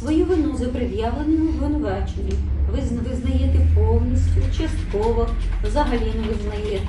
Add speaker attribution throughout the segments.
Speaker 1: Свою вину за пред'явленим обвинуваченням ви визнаєте повністю, частково, взагалі не визнаєте.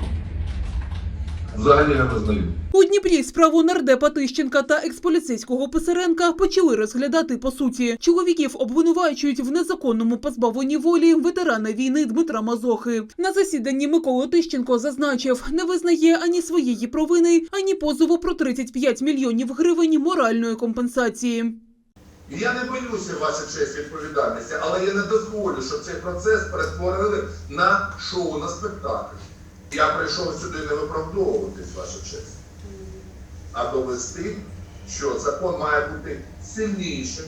Speaker 2: Взагалі не визнаю.
Speaker 3: У Дніпрі справу нардепа Тищенка та експоліцейського Писаренка почали розглядати по суті. Чоловіків обвинувачують в незаконному позбавленні волі ветерана війни Дмитра Мазохи. На засіданні Микола Тищенко зазначив, не визнає ані своєї провини, ані позову про 35 мільйонів гривень моральної компенсації.
Speaker 2: Я не боюся, ваша честь, відповідальності, але я не дозволю, щоб цей процес перетворили на шоу, на спектакль. Я прийшов сюди не виправдовуватись, ваша честь, а довести, що закон має бути сильнішим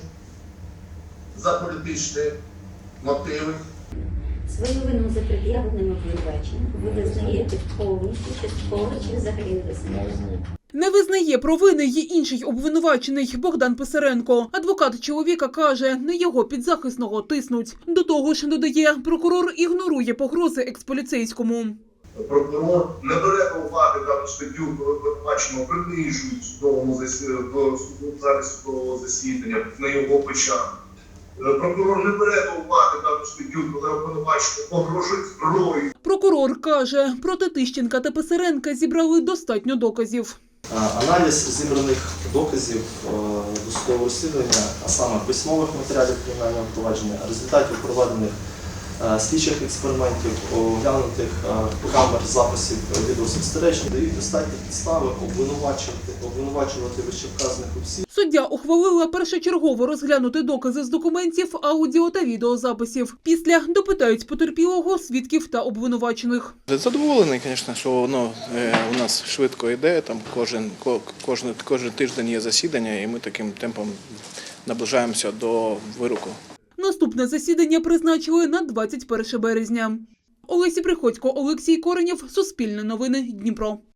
Speaker 2: за політичні мотиви.
Speaker 1: Свою вину за пред'явленим обвинуваченням ви визнаєте повністю, частково чи взагалі не визнаєте.
Speaker 3: Не визнає провини й інший обвинувачений Богдан Писаренко. Адвокат чоловіка каже, на його підзахисного тиснуть. До того ж, додає, прокурор ігнорує погрози експоліцейському.
Speaker 2: Прокурор не бере до уваги дану статтю, коли обвинуваченого принижують в судовому залі судового засідання на його печах. Прокурор не бере до уваги дану статтю, коли обвинуваченого погрожують зброєю.
Speaker 3: Прокурор каже, проти Тищенка та Писаренка зібрали достатньо доказів.
Speaker 4: Аналіз зібраних доказів досудового розслідування, а саме письмових матеріалів кримінального провадження, результатів проведених слідчих експериментів, оглянутих камер записів відеоспостережень, дають достатні підстави обвинувачувати вищевказаних осіб.
Speaker 3: Суддя ухвалила першочергово розглянути докази з документів, аудіо та відеозаписів. Після допитають потерпілого, свідків та обвинувачених.
Speaker 5: Задоволений, звісно, що воно у нас швидко йде. Там кожен тиждень є засідання, і ми таким темпом наближаємося до вироку.
Speaker 3: Наступне засідання призначили на 21 березня. Олеся Приходько, Олексій Коренєв, Суспільне новини, Дніпро.